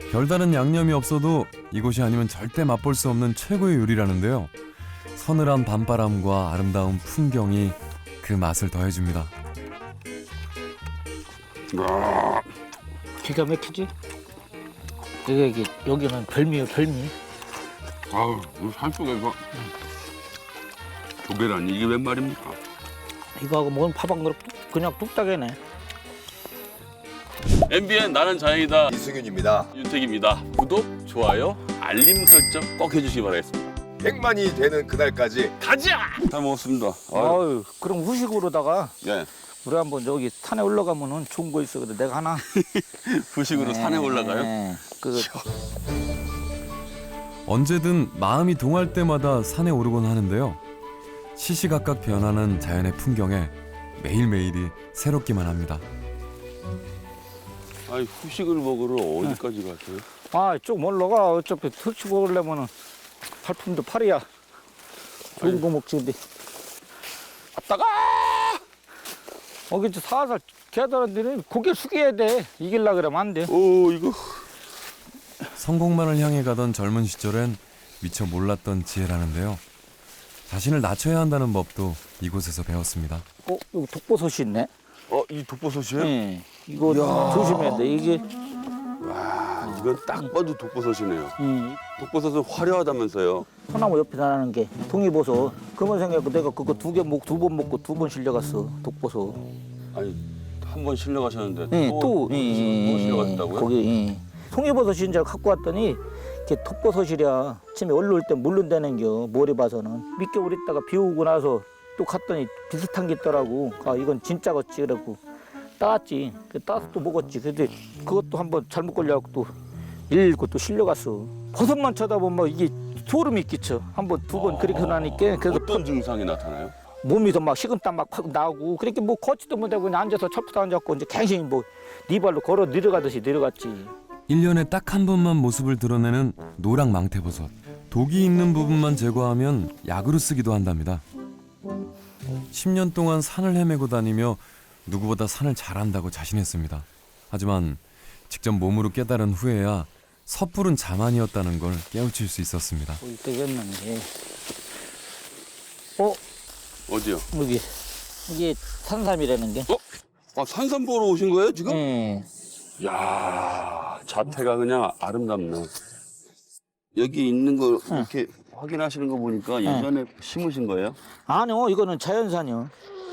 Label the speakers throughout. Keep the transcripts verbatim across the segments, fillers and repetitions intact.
Speaker 1: 별다른 양념이 없어도 이곳이 아니면 절대 맛볼 수 없는 최고의 요리라는데요. 서늘한 밤바람과 아름다운 풍경이 그 맛을 더해줍니다.
Speaker 2: 기가 막히지? 이게, 이게 여기는 별미요, 별미.
Speaker 3: 아우, 이 산속에서 조개라니 이게 웬 말입니까?
Speaker 2: 이거하고 먹은 밥 한 그릇 뚝- 그냥 뚝딱이네.
Speaker 3: 엠비엔 나는 자연이다.
Speaker 4: 이승윤입니다.
Speaker 3: 윤택입니다. 구독, 좋아요, 알림 설정 꼭 해주시기 바라겠습니다.
Speaker 4: 백만이 되는 그날까지
Speaker 3: 가자! 잘 먹었습니다. 아유,
Speaker 2: 아유, 그럼 후식으로다가
Speaker 3: 예.
Speaker 2: 우리 한번 여기 산에 올라가면은 좋은 거 있어. 그래 내가 하나.
Speaker 3: 후식으로 산에 올라가요?
Speaker 2: 네, 그
Speaker 1: 언제든 마음이 동할 때마다 산에 오르곤 하는데요. 시시각각 변하는 자연의 풍경에 매일매일이 새롭기만 합니다.
Speaker 3: 아니, 후식을 먹으러 어디까지 가세요?
Speaker 2: 아, 쭉 올라가. 어차피 터치 먹으려면은 발품도 팔이야. 좋은
Speaker 3: 아니.
Speaker 2: 거 먹지 근데.
Speaker 3: 아따가!
Speaker 2: 어, 근데 살살 개들한테는 고개 숙여야 돼. 이길라 그러면 안 돼.
Speaker 3: 오, 이거.
Speaker 1: 성공만을 향해 가던 젊은 시절엔 미처 몰랐던 지혜라는데요. 자신을 낮춰야 한다는 법도 이곳에서 배웠습니다.
Speaker 2: 어, 여기 독버섯이 있네.
Speaker 3: 어, 이 독버섯이에요?
Speaker 2: 네. 이거 조심해야 돼. 이게
Speaker 3: 와, 이건 딱 봐도 독버섯이네요.
Speaker 2: 이
Speaker 3: 독버섯은 화려하다면서요?
Speaker 2: 소나무 옆에 나는 게 동이버섯. 그만 생각하고 내가 그거 두 개 먹, 두 번 먹고 두 번 실려갔어. 독버섯.
Speaker 3: 아니, 한 번 실려가셨는데
Speaker 2: 예,
Speaker 3: 또,
Speaker 2: 또,
Speaker 3: 또
Speaker 2: 예, 예,
Speaker 3: 실려가셨다고요?
Speaker 2: 거기, 예. 송이버섯인 줄 갖고 왔더니, 이게 독버섯이랴. 아침에 올라올 때 물른다는겨, 모래 봐서는. 밑겨울 있다가 비 오고 나서 또 갔더니 비슷한 게 있더라고. 아, 이건 진짜겠지. 그래갖고 따왔지. 그 따서 또 먹었지. 근데 그것도 한번 잘못 걸려갖고 또 일일고 또 실려갔어. 버섯만 쳐다보면 막 이게 소름이 끼쳐. 한 번, 두 번 그렇게 나니까. 그래서
Speaker 3: 어떤 증상이 나타나요?
Speaker 2: 몸에서 막 식은땀 막 팍 나오고 그렇게 뭐 걷지도 못하고 그냥 앉아서 철푸도 앉았고 이제 갱신히 뭐 네 발로 걸어 내려가듯이 내려갔지.
Speaker 1: 일 년에 딱 한 번만 모습을 드러내는 노랑 망태버섯. 독이 있는 부분만 제거하면 약으로 쓰기도 한답니다. 십 년 동안 산을 헤매고 다니며 누구보다 산을 잘한다고 자신했습니다. 하지만 직접 몸으로 깨달은 후에야 섣부른 자만이었다는 걸 깨우칠 수 있었습니다.
Speaker 2: 볼 때였는데. 어?
Speaker 3: 어디요?
Speaker 2: 여기 이게 산삼이라는 게.
Speaker 3: 아, 산삼 보러 오신 거예요, 지금?
Speaker 2: 예.
Speaker 3: 야, 자태가 그냥 아름답네. 여기 있는 거 이렇게 확인하시는 거 보니까 예전에 심으신 거예요?
Speaker 2: 아니요, 이거는 자연산이요.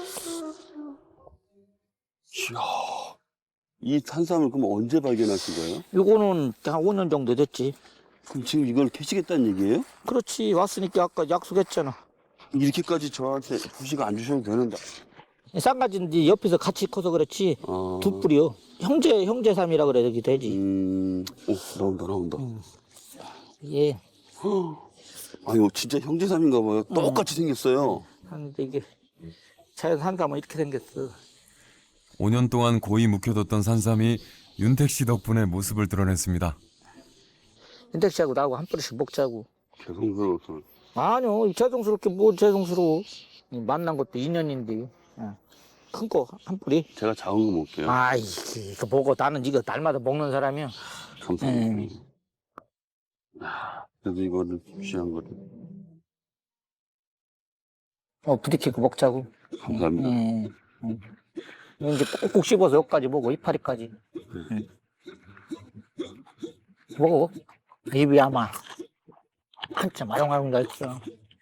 Speaker 3: 이야, 이 산삼을 그럼 언제 발견하신 거예요?
Speaker 2: 이거는 한 오 년 정도 됐지.
Speaker 3: 그럼 지금 이걸 캐시겠다는 얘기예요?
Speaker 2: 그렇지, 왔으니까 아까 약속했잖아.
Speaker 3: 이렇게까지 저한테 후식 안 주셔도 되는데.
Speaker 2: 쌍가지인데 옆에서 같이 커서 그렇지.
Speaker 3: 어...
Speaker 2: 두 뿌리요. 형제 형제삼이라 그래 여기 되지.
Speaker 3: 음, 오, 나온다, 나온다.
Speaker 2: 예.
Speaker 3: 아, 이거 진짜 형제삼인가 봐요. 똑같이 생겼어요.
Speaker 2: 하는데 이게 자연 산삼은 이렇게 생겼어.
Speaker 1: 오 년 동안 고이 묵혀뒀던 산삼이 윤택 씨 덕분에 모습을 드러냈습니다.
Speaker 2: 윤택 씨하고 나하고 한 뿌리씩 먹자고.
Speaker 3: 죄송스러워서.
Speaker 2: 아니요, 죄송스럽게 뭐 죄송스러워. 만난 것도 인연인데. 큰 거 한 뿌리.
Speaker 3: 제가 작은 거 먹을게요.
Speaker 2: 아이, 이거 보고 나는 이거 날마다 먹는 사람이야.
Speaker 3: 감사합니다. 아, 그래도 이거를 귀한 거를.
Speaker 2: 어, 부딪히고 먹자고.
Speaker 3: 감사합니다.
Speaker 2: 음, 음. 이제 꼭꼭 씹어서 여기까지 먹어, 이파리까지. 음. 먹어. 입이 아마 한참 아롱아롱 다 있어.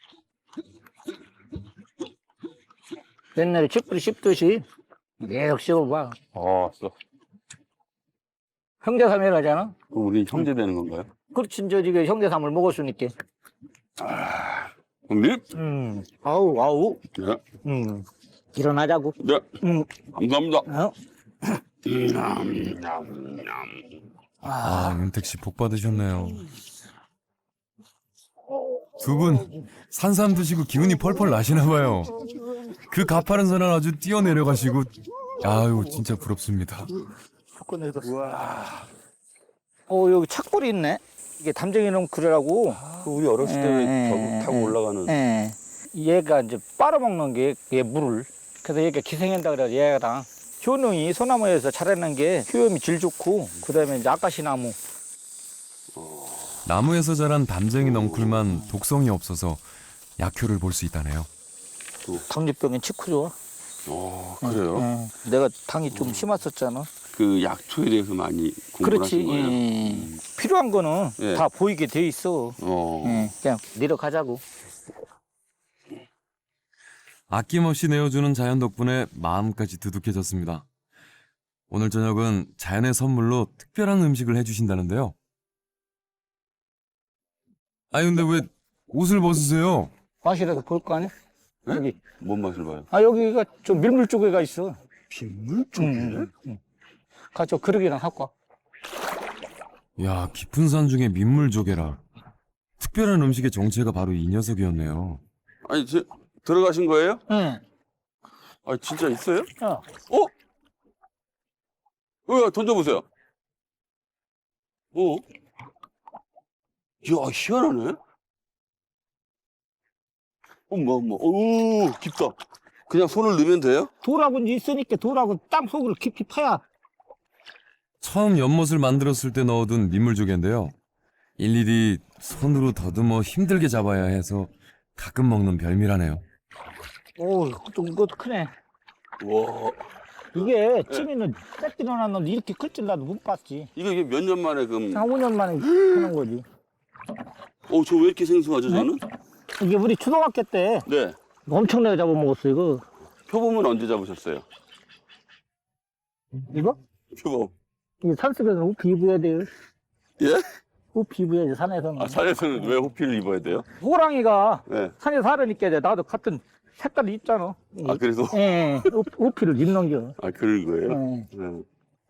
Speaker 2: 옛날에 칡뿌리 씹듯이 계속 씹어봐.
Speaker 3: 아, 써.
Speaker 2: 형제삼이라 하잖아.
Speaker 3: 그럼 우리 형제 되는 건가요?
Speaker 2: 그렇지, 이제 이게 형제삼을 먹었으니까.
Speaker 3: 형님?
Speaker 2: 음, 아우, 아우.
Speaker 3: 네.
Speaker 2: 음, 일어나자고.
Speaker 3: 네.
Speaker 2: 음,
Speaker 3: 감사합니다.
Speaker 2: 어?
Speaker 1: 아, 윤택 씨 복 받으셨네요. 두 분 산삼 드시고 기운이 펄펄 나시나 봐요. 그 가파른 산을 아주 뛰어내려가시고, 아유 진짜 부럽습니다.
Speaker 2: 와. 어, 여기 착골이 있네. 이게 담쟁이 넝쿨이라고.
Speaker 3: 그 우리 어렸을 때
Speaker 2: 예,
Speaker 3: 저기
Speaker 2: 예,
Speaker 3: 타고
Speaker 2: 예.
Speaker 3: 올라가는.
Speaker 2: 예. 얘가 이제 빨아먹는 게, 얘 물을. 그래서 얘가 기생한다 그래서 얘랑 효능이 소나무에서 자라는 게 효염이 질 좋고, 그 다음에 이제 아까시나무,
Speaker 1: 나무에서 자란 담쟁이 넝쿨만 독성이 없어서 약효를 볼 수 있다네요.
Speaker 2: 당뇨병엔 치쿠 좋아.
Speaker 3: 어, 그래요?
Speaker 2: 응. 내가 당이 좀 심했었잖아.
Speaker 3: 그 약초에 대해서 많이 공부를
Speaker 2: 그렇지.
Speaker 3: 하신 거예요?
Speaker 2: 예. 필요한 거는
Speaker 3: 예.
Speaker 2: 다 보이게 돼 있어.
Speaker 3: 어.
Speaker 2: 예. 그냥 내려가자고.
Speaker 1: 아낌없이 내어주는 자연 덕분에 마음까지 두둑해졌습니다. 오늘 저녁은 자연의 선물로 특별한 음식을 해주신다는데요. 아니 근데 왜 옷을 벗으세요?
Speaker 2: 마시라도 볼 거 아니야?
Speaker 3: 네?
Speaker 2: 여기.
Speaker 3: 뭔 맛을 봐요?
Speaker 2: 아, 여기가 좀 밀물 쪽에가 있어.
Speaker 3: 빗물 쪽에?
Speaker 2: 응, 응. 가서 그릇이랑 갖고 와.
Speaker 1: 야, 깊은 산 중에 민물조개라. 특별한 음식의 정체가 바로 이 녀석이었네요.
Speaker 3: 아니, 저, 들어가신 거예요?
Speaker 2: 응.
Speaker 3: 아, 진짜 있어요?
Speaker 2: 어.
Speaker 3: 어? 어, 던져보세요. 어? 이야, 희한하네. 어머, 어머, 오, 깊다. 그냥 손을 넣으면 돼요?
Speaker 2: 돌하고 있으니까 돌하고 땅 속으로 깊이 파야.
Speaker 1: 처음 연못을 만들었을 때 넣어둔 민물조개인데요. 일일이 손으로 더듬어 힘들게 잡아야 해서 가끔 먹는 별미라네요.
Speaker 2: 오, 좀 이것도 크네.
Speaker 3: 와,
Speaker 2: 이게 찜이는 새끼 넣어놨는데 이렇게 클 줄 나도 못 봤지.
Speaker 3: 이거 이게 몇 년 만에 그,
Speaker 2: 한 오 년 만에 하는 거지.
Speaker 3: 어, 저 왜 이렇게 생소하죠, 저는?
Speaker 2: 이게 우리 초등학교 때
Speaker 3: 네.
Speaker 2: 엄청나게 잡아먹었어, 이거.
Speaker 3: 표범은 언제 잡으셨어요?
Speaker 2: 이거?
Speaker 3: 표범.
Speaker 2: 이 산속에서는 우피 입어야 돼요.
Speaker 3: 예?
Speaker 2: 우피 입어야지, 산에서는.
Speaker 3: 아, 산에서는 왜 호피를 입어야 돼요?
Speaker 2: 호랑이가
Speaker 3: 네.
Speaker 2: 산에 살으니까 이제 나도 같은 색깔을 입잖아.
Speaker 3: 아, 그래서?
Speaker 2: 예, 우- 우피를 입는 겨.
Speaker 3: 아, 그런 거예요?
Speaker 2: 예.
Speaker 3: 네.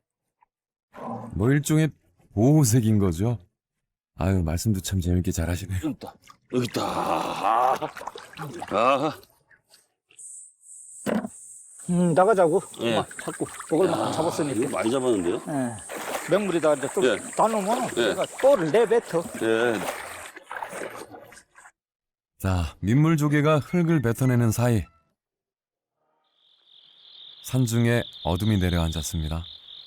Speaker 1: 뭐 일종의 보호색인 거죠. 아유, 말씀도 참 재밌게 잘하시네요.
Speaker 3: 여기 있다. 여기 있다. 아, 아.
Speaker 2: 음, 나가자고.
Speaker 3: 예.
Speaker 2: 막 자꾸 먹을 만큼 잡았으니까.
Speaker 3: 이거 많이 잡았는데요?
Speaker 2: 예. 맹물에다 이제 또
Speaker 3: 예.
Speaker 2: 나누면
Speaker 3: 예.
Speaker 2: 내가 또를 내뱉어.
Speaker 3: 예.
Speaker 1: 자, 민물조개가 흙을 뱉어내는 사이 산중에 어둠이 내려앉았습니다.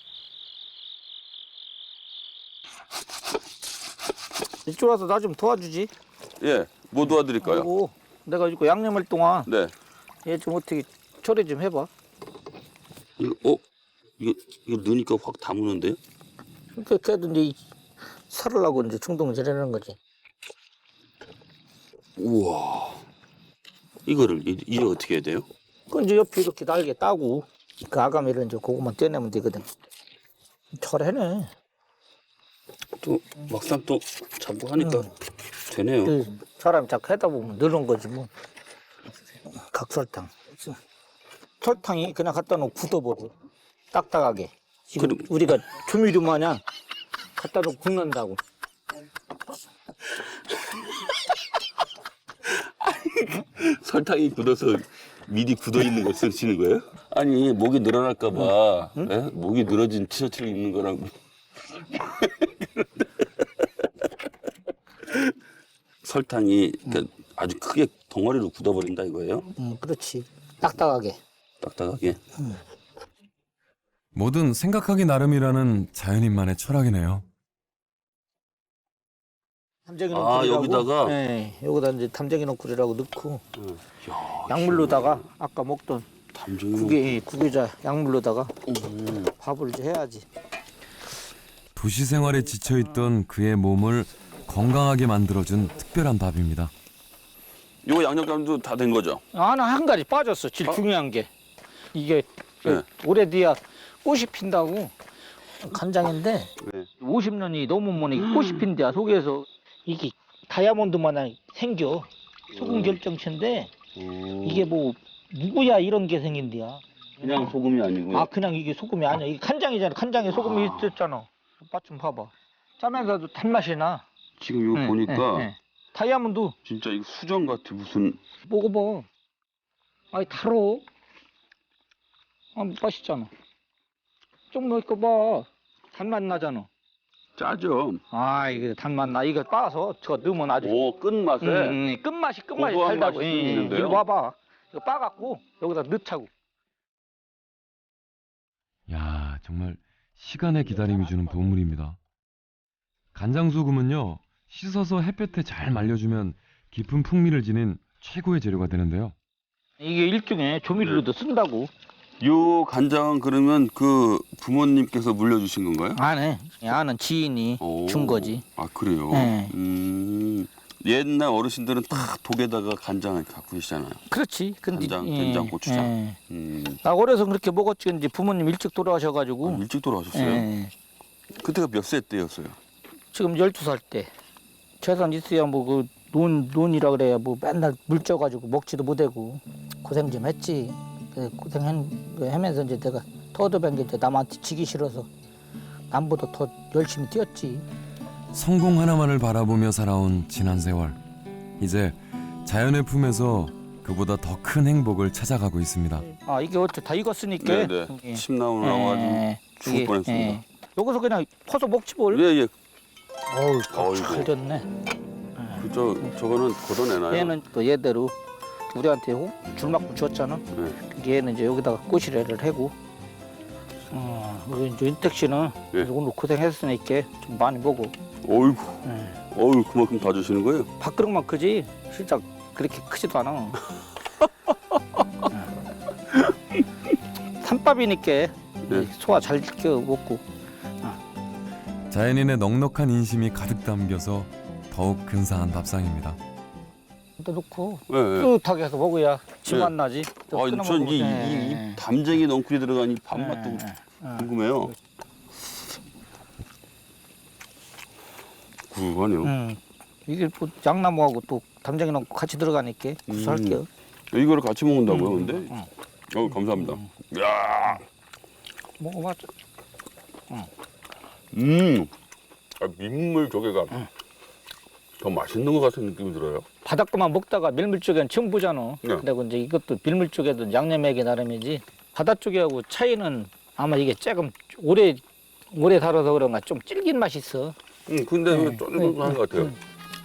Speaker 2: 이쪽 와서 나 좀 도와주지.
Speaker 3: 예. 뭐 도와드릴까요?
Speaker 2: 그리고 내가 이거 양념할 동안
Speaker 3: 네.
Speaker 2: 얘 좀 어떻게 처리 좀 해봐.
Speaker 3: 이거, 어? 이거, 이거 넣으니까 확 다무는데요?
Speaker 2: 그렇게 걔도 이제 살으려고 이제 충동질 하는 거지.
Speaker 3: 우와. 이거를, 이- 이제 어떻게 해야 돼요?
Speaker 2: 그 이제 옆에 이렇게 날개 따고 그 아가미를 이제 그거만 떼내면 되거든. 잘해네.
Speaker 3: 또, 막상 또 잡고 하니까 되네요.
Speaker 2: 그 사람이 자꾸 하다 보면 늘은 거지 뭐. 각설탕. 설탕이 그냥 갖다 놓고 굳어버려. 딱딱하게. 지금
Speaker 3: 그럼-
Speaker 2: 우리가 조미료 마냥 갖다 놓고 굽는다고.
Speaker 3: 설탕이 굳어서 미리 굳어 있는 거 쓰시는 거예요? 아니, 목이 늘어날까봐, 예? 목이 늘어진 티셔츠를 입는 거랑. 설탕이 그러니까 아주 크게 덩어리로 굳어버린다 이거예요?
Speaker 2: 응, 그렇지. 딱딱하게.
Speaker 3: 딱딱하게.
Speaker 1: 뭐든 생각하기 나름이라는 자연인만의 철학이네요.
Speaker 2: 담쟁이
Speaker 3: 아,
Speaker 2: 넝쿨이라고.
Speaker 3: 여기다가?
Speaker 2: 네, 여기다 이제 담쟁이 넝쿨이라고 넣고
Speaker 3: 응. 야,
Speaker 2: 약물로다가 아까 먹던
Speaker 3: 담정이.
Speaker 2: 국에 국에자 약물로다가
Speaker 3: 음.
Speaker 2: 밥을 이제 해야지.
Speaker 1: 도시 생활에 지쳐있던 그의 몸을 건강하게 만들어준 특별한 밥입니다.
Speaker 3: 요거 양념감도 다 된 거죠?
Speaker 2: 하나 한 가지 빠졌어. 제일
Speaker 3: 어?
Speaker 2: 중요한 게 이게
Speaker 3: 네.
Speaker 2: 올해 뒤야 꽃이 핀다고 간장인데
Speaker 3: 네.
Speaker 2: 오십 년이 넘으면 이게 꽃이 핀대야 속에서 이게 다이아몬드 마냥 생겨. 소금 결정체인데
Speaker 3: 음.
Speaker 2: 이게 뭐 누구야 이런 게 생긴대야.
Speaker 3: 그냥 소금이 아니고.
Speaker 2: 아 그냥 이게 소금이 아니야. 이게 간장이잖아. 간장에 소금이 있었잖아. 맛 좀 봐봐. 짜면서도 단맛이 나.
Speaker 3: 지금 이거
Speaker 2: 응,
Speaker 3: 보니까
Speaker 2: 응, 응. 다이아몬드
Speaker 3: 진짜 이거 수정 같아 무슨.
Speaker 2: 먹어봐. 아이 달어. 아 맛있잖아. 좀 넣을까 봐. 단맛 나잖아.
Speaker 3: 짜죠.
Speaker 2: 아 이게 단맛 나. 이거 빻아서 저거 넣으면 아주.
Speaker 3: 오, 끝맛에.
Speaker 2: 응, 응, 끝맛이 끝맛이
Speaker 3: 고소한
Speaker 2: 달다고.
Speaker 3: 맛이
Speaker 2: 응, 응.
Speaker 3: 있는데요?
Speaker 2: 이거 봐봐. 이거 빻아갖고 여기다 넣자고.
Speaker 1: 야, 정말 시간의 기다림이 주는 보물입니다. 간장소금은요, 씻어서 햇볕에 잘 말려주면 깊은 풍미를 지닌 최고의 재료가 되는데요.
Speaker 2: 이게 일종의 조미료로도 쓴다고.
Speaker 3: 요 간장은 그러면 그 부모님께서 물려주신 건가요?
Speaker 2: 안에 아는 지인이
Speaker 3: 오.
Speaker 2: 준 거지.
Speaker 3: 아 그래요?
Speaker 2: 네.
Speaker 3: 음, 옛날 어르신들은 다 독에다가 간장을 갖고 계시잖아요.
Speaker 2: 그렇지. 근데
Speaker 3: 간장,
Speaker 2: 예,
Speaker 3: 된장, 고추장.
Speaker 2: 예.
Speaker 3: 음,
Speaker 2: 나 어려서 그렇게 먹었지. 이제 부모님 일찍 돌아가셔가지고.
Speaker 3: 아, 일찍 돌아가셨어요?
Speaker 2: 예.
Speaker 3: 그때가 몇 세 때였어요?
Speaker 2: 지금 열두 살 때. 재산 있어야 뭐 그 논, 논이라 그래야 뭐 맨날 물 쪄가지고 먹지도 못하고 고생 좀 했지. 그 고생하면서 이제 내가 터드밴 게 이제 남한테 지기 싫어서 남보다 더 열심히 뛰었지.
Speaker 1: 성공 하나만을 바라보며 살아온 지난 세월. 이제 자연의 품에서 그보다 더 큰 행복을 찾아가고 있습니다.
Speaker 2: 아 이게 어째 다 익었으니까.
Speaker 3: 네네.
Speaker 2: 이게.
Speaker 3: 침 나오고 나와가지고
Speaker 2: 예,
Speaker 3: 죽을
Speaker 2: 이게,
Speaker 3: 뻔했습니다.
Speaker 2: 예. 여기서 그냥 퍼서 먹지 뭘.
Speaker 3: 예, 예.
Speaker 2: 어우
Speaker 3: 어이구.
Speaker 2: 잘 됐네.
Speaker 3: 그저 저거는 걷어내나요?
Speaker 2: 얘는 또 얘대로 우리한테 호- 줄만큼 줬잖아.
Speaker 3: 네.
Speaker 2: 얘는 이제 여기다가 꼬시래를 하고. 어, 우리 이제 윤택 씨는
Speaker 3: 예.
Speaker 2: 오늘 고생했으니까 좀 많이 먹어.
Speaker 3: 어이구,
Speaker 2: 예.
Speaker 3: 어이 그만큼 다 주시는 거예요?
Speaker 2: 밥그릇만 크지 실제 그렇게 크지도 않아. 산밥이니까
Speaker 3: 네.
Speaker 2: 소화 잘 시켜 먹고.
Speaker 1: 자연인의 넉넉한 인심이 가득 담겨서 더욱 근사한 밥상입니다.
Speaker 2: 또 넣고
Speaker 3: 예, 예.
Speaker 2: 뿌듯하게 해서 먹어야 침
Speaker 3: 네.
Speaker 2: 안 나지. 또 끊어
Speaker 3: 아, 전이
Speaker 2: 먹으면-
Speaker 3: 이,
Speaker 2: 예,
Speaker 3: 이, 이
Speaker 2: 예.
Speaker 3: 담쟁이 넝쿨이 들어간 이 밥맛도
Speaker 2: 예, 예.
Speaker 3: 궁금해요. 구수하네요.
Speaker 2: 음. 이게 뭐 양나무하고 또 담장이 넣고 같이 들어가니까 구수할게요.
Speaker 3: 이거를 같이 먹는다고요,
Speaker 2: 음,
Speaker 3: 근데?
Speaker 2: 음.
Speaker 3: 어, 감사합니다. 야,
Speaker 2: 먹어봐.
Speaker 3: 음, 아, 민물 조개가 더 맛있는 것 같은 느낌이 들어요.
Speaker 2: 바닷가만 먹다가 밀물 쪽에는 처음 보잖아.
Speaker 3: 네.
Speaker 2: 근데 이제 이것도 밀물 쪽에도 양념하기 나름이지. 바다 쪽하고 차이는 아마 이게 조금 오래 오래 살아서 그런가 좀 질긴 맛이 있어.
Speaker 3: 음, 근데
Speaker 2: 네.
Speaker 3: 네. 쫀쫀한 것 같아요.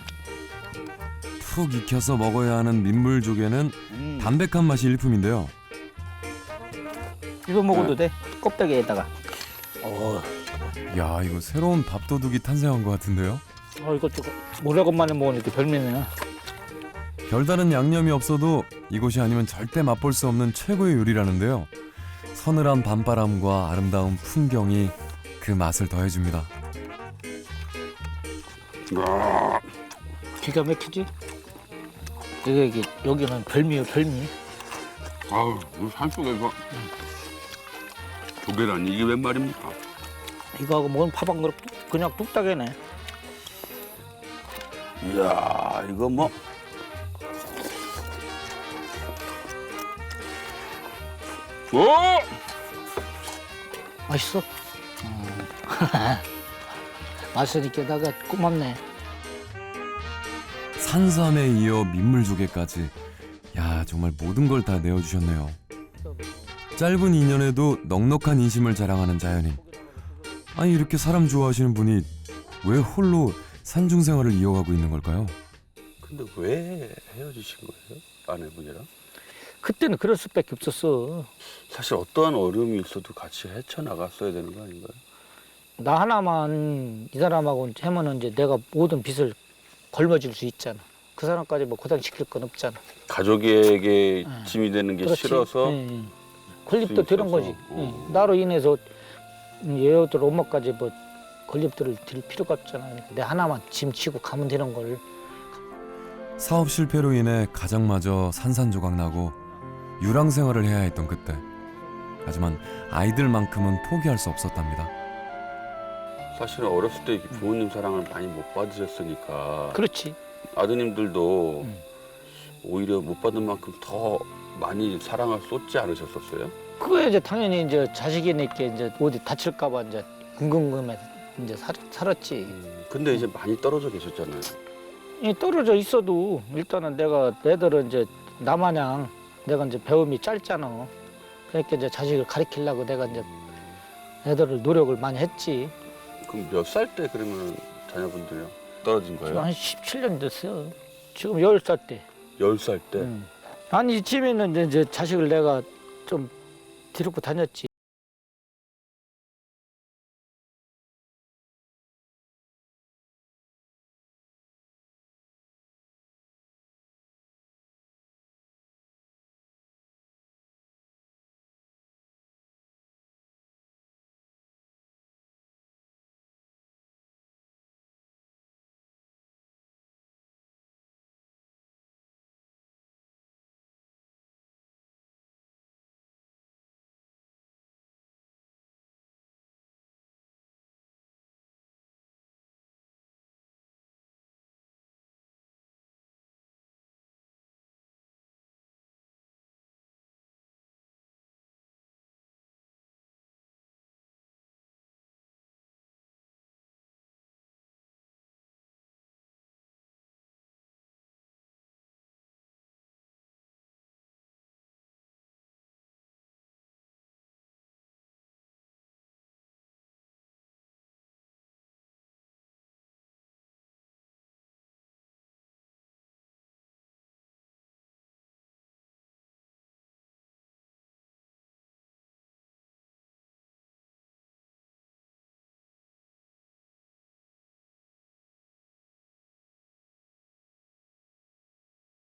Speaker 1: 푹 익혀서 먹어야 하는 민물조개는
Speaker 3: 음.
Speaker 1: 담백한 맛이 일품인데요.
Speaker 2: 이거 먹어도 돼. 껍데기에다가. 어,
Speaker 1: 야, 이거 새로운 밥도둑이 탄생한 것 같은데요.
Speaker 2: 어 이거 좀 오래간만에 먹으니까 별미네.
Speaker 1: 별다른 양념이 없어도 이곳이 아니면 절대 맛볼 수 없는 최고의 요리라는데요. 서늘한 밤바람과 아름다운 풍경이 그 맛을 더해줍니다.
Speaker 3: 야,
Speaker 2: 기가 막히지? 이게, 이게 여기는 별미요 별미.
Speaker 3: 아우, 이 산속에서 조개라니 이게 웬 말입니까?
Speaker 2: 이거하고 먹으면 밥 한 그릇 뚝- 그냥 뚝딱이네.
Speaker 3: 이야, 이거 뭐. 오!
Speaker 2: 맛있어? 음. 맛있으니까 내가 고맙네.
Speaker 1: 산삼에 이어 민물조개까지. 야, 정말 모든 걸 다 내어주셨네요. 짧은 인연에도 넉넉한 인심을 자랑하는 자연인. 아니, 이렇게 사람 좋아하시는 분이 왜 홀로 산중 생활을 이어가고 있는 걸까요?
Speaker 3: 근데 왜 헤어지신 거예요? 아내분이랑?
Speaker 2: 그때는 그럴 수밖에 없었어.
Speaker 3: 사실 어떠한 어려움이 있어도 같이 헤쳐나갔어야 되는 거 아닌가요?
Speaker 2: 나 하나만 이 사람하고 하면은 이제 내가 모든 빚을 걸머질 수 있잖아. 그 사람까지 뭐 고생시킬 건 없잖아.
Speaker 3: 가족에게
Speaker 2: 응.
Speaker 3: 짐이 되는 게
Speaker 2: 그렇지.
Speaker 3: 싫어서
Speaker 2: 응, 응. 건립도 되는
Speaker 3: 있어서.
Speaker 2: 거지.
Speaker 3: 어.
Speaker 2: 응. 나로 인해서 얘들 엄마까지 뭐 건립들을 드릴 필요가 없잖아. 내 하나만 짐 치고 가면 되는 걸.
Speaker 1: 사업 실패로 인해 가정마저 산산조각 나고 유랑 생활을 해야 했던 그때. 하지만 아이들만큼은 포기할 수 없었답니다.
Speaker 3: 사실은 어렸을 때 부모님 사랑을 많이 못 받으셨으니까
Speaker 2: 그렇지.
Speaker 3: 아드님들도
Speaker 2: 응.
Speaker 3: 오히려 못 받은 만큼 더 많이 사랑을 쏟지 않으셨었어요?
Speaker 2: 그거야 이제 당연히 이제 자식이니까 이제 어디 다칠까봐 이제 궁금해서 이제 살, 살았지.
Speaker 3: 근데 이제 많이 떨어져 계셨잖아요.
Speaker 2: 이 떨어져 있어도 일단은 내가 애들은 이제 나마냥 내가 이제 배움이 짧잖아. 그러니까 이제 자식을 가르치려고 내가 이제 애들을 노력을 많이 했지.
Speaker 3: 그럼 몇 살 때 그러면 자녀분들이요? 떨어진
Speaker 2: 지금
Speaker 3: 거예요?
Speaker 2: 한 십칠 년 됐어요. 지금 열 살 때.
Speaker 3: 열 살 때?
Speaker 2: 응. 아니 집에는 이제- 이제 자식을 내가 좀 데리고 다녔지.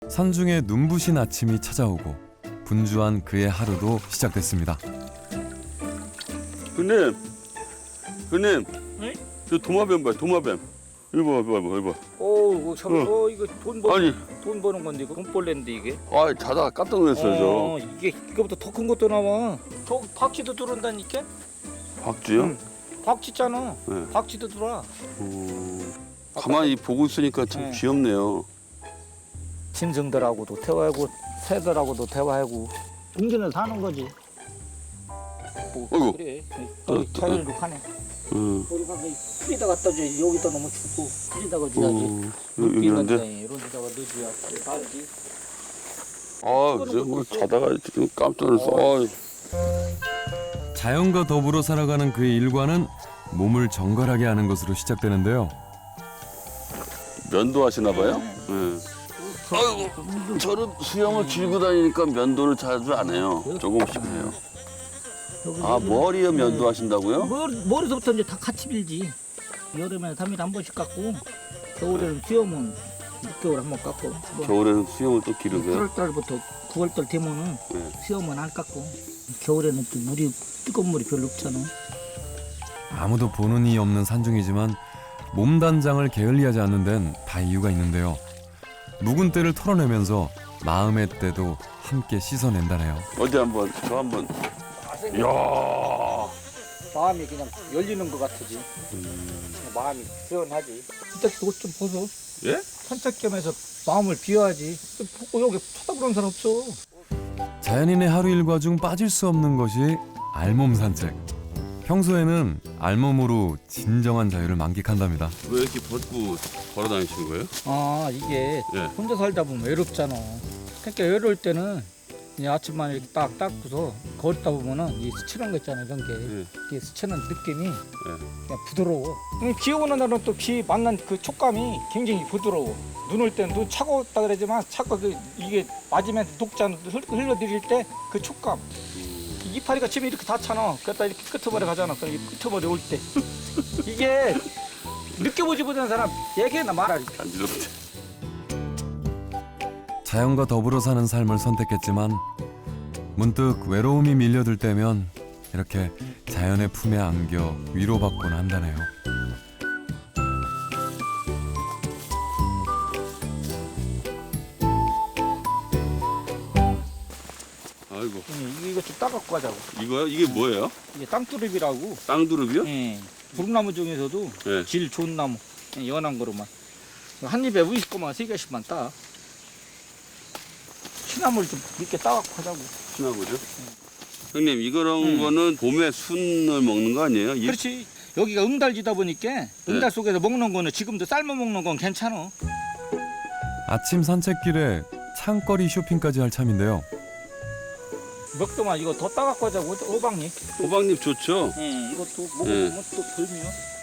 Speaker 1: 산중에 눈부신 아침이 찾아오고 분주한 그의 하루도 시작됐습니다.
Speaker 3: 형님, 형님,
Speaker 2: 네?
Speaker 3: 저 도마뱀 봐요, 도마뱀. 이거 봐, 이거 봐, 이거 봐.
Speaker 2: 오, 이거 참,
Speaker 3: 어.
Speaker 2: 어, 이거 돈 버,
Speaker 3: 아니,
Speaker 2: 돈 버는 건데 이거 돈벌레인데 이게.
Speaker 3: 아, 자다가 깜짝 놀랐어요,
Speaker 2: 어, 이게 이거부터 더 큰 것도 나와. 저 박쥐도 들어온다니까.
Speaker 3: 저. 박쥐요?
Speaker 2: 응. 박쥐잖아.
Speaker 3: 네.
Speaker 2: 박쥐도 들어와.
Speaker 3: 어, 가만히 보고 있으니까 참
Speaker 2: 네.
Speaker 3: 귀엽네요.
Speaker 2: 짐승들하고도 대화하고 새들하고도 대화하고 공전에 사는 거지. 뭐
Speaker 3: 어이구.
Speaker 2: 그래.
Speaker 3: 어,
Speaker 2: 거기 자연으로 가네.
Speaker 3: 응.
Speaker 2: 우리 가서 풀에다 갖다 줘. 여기다 너무 춥고 풀에다가 줘야지.
Speaker 3: 어, 여기 있는데.
Speaker 2: 이런 데다가 넣어줘야 살지.
Speaker 3: 아, 이제 뭐 자다가 지금 깜짝 놀랐어. 아,
Speaker 1: 자연과 더불어 살아가는 그의 일과는 몸을 정갈하게 하는 것으로 시작되는데요.
Speaker 3: 면도 하시나 봐요? 네. 아이고, 저는 수영을 길고 다니니까 면도를 자주 안 해요. 조금씩 해요. 아, 머리에 면도 하신다고요?
Speaker 2: 머리, 머리서부터 이제 다 같이 빌지. 여름에는 삼 일에 한 번씩 깎고 겨울에는 수염은 육 개월에 한 번 깎고 뭐
Speaker 3: 겨울에는 수영을 또 기르세요?
Speaker 2: 팔월 달부터 구월 달 되면은
Speaker 3: 네.
Speaker 2: 수염은 안 깎고 겨울에는 또 물이 뜨거운 물이 별로 없잖아.
Speaker 1: 아무도 보는 이 없는 산중이지만 몸 단장을 게을리하지 않는 데는 다 이유가 있는데요. 묵은 때를 털어내면서 마음의 때도 함께 씻어낸다네요.
Speaker 3: 어디 한번, 저 한번. 이야.
Speaker 2: 마음이 그냥 열리는 것 같으지. 마음이 시원하지. 진짜 옷 좀 벗어.
Speaker 3: 예?
Speaker 2: 산책 겸해서 마음을 비워야지. 벗고 여기 쳐다보는 사람 없어.
Speaker 1: 자연인의 하루 일과 중 빠질 수 없는 것이 알몸 산책. 평소에는 알몸으로 진정한 자유를 만끽한답니다.
Speaker 3: 왜 이렇게 벗고 걸어 다니시는 거예요?
Speaker 2: 아 이게
Speaker 3: 예.
Speaker 2: 혼자 살다 보면 외롭잖아. 그러니까 외로울 때는 그냥 아침만 이렇게 딱 닦고서 걷다 보면은 이 스치는 거 있잖아 이런 게.
Speaker 3: 예.
Speaker 2: 이게 스치는 느낌이
Speaker 3: 예.
Speaker 2: 그냥 부드러워. 비 오는 날은 또 비 만난 그 촉감이 굉장히 부드러워. 눈 올 때는 눈 차가웠다 그러지만 차가 그 이게 맞으면 녹잖아. 흘러들일 때 그 촉감. 이파리가 집에 이렇게 닿잖아. 그러다 이렇게 끄트머리 가잖아. 그럼 이 끄트머리 올 때 이게 느껴보지 못하는 사람 얘기나 말하지.
Speaker 3: 간지럽대.
Speaker 1: 자연과 더불어 사는 삶을 선택했지만 문득 외로움이 밀려들 때면 이렇게 자연의 품에 안겨 위로받곤 한다네요.
Speaker 3: 아이고.
Speaker 2: 응, 이거 좀 따갖고 가자고.
Speaker 3: 이거요? 이게 뭐예요?
Speaker 2: 이게 땅두릅이라고.
Speaker 3: 땅두릅이요?
Speaker 2: 예. 부릅나무 중에서도
Speaker 3: 예.
Speaker 2: 질 좋은 나무. 예, 연한 거로만. 한 입에 우십 거만 세 개씩만 따. 시나물 좀 이렇게 따갖고 하자고.
Speaker 3: 신나보죠? 형님, 이거런 거는 봄에 순을 먹는 거 아니에요? 이-
Speaker 2: 그렇지. 여기가 응달지다 보니까 응달 속에서 먹는 거는 지금도 삶아 먹는 건 괜찮아.
Speaker 1: 아침 산책길에 창거리 쇼핑까지 할 참인데요.
Speaker 2: 몇 개만 이거 더 따갖고 하자고. 호박잎.
Speaker 3: 호박잎 좋죠?
Speaker 2: 예, 이것도
Speaker 3: 예.
Speaker 2: 먹으면 또 별미야.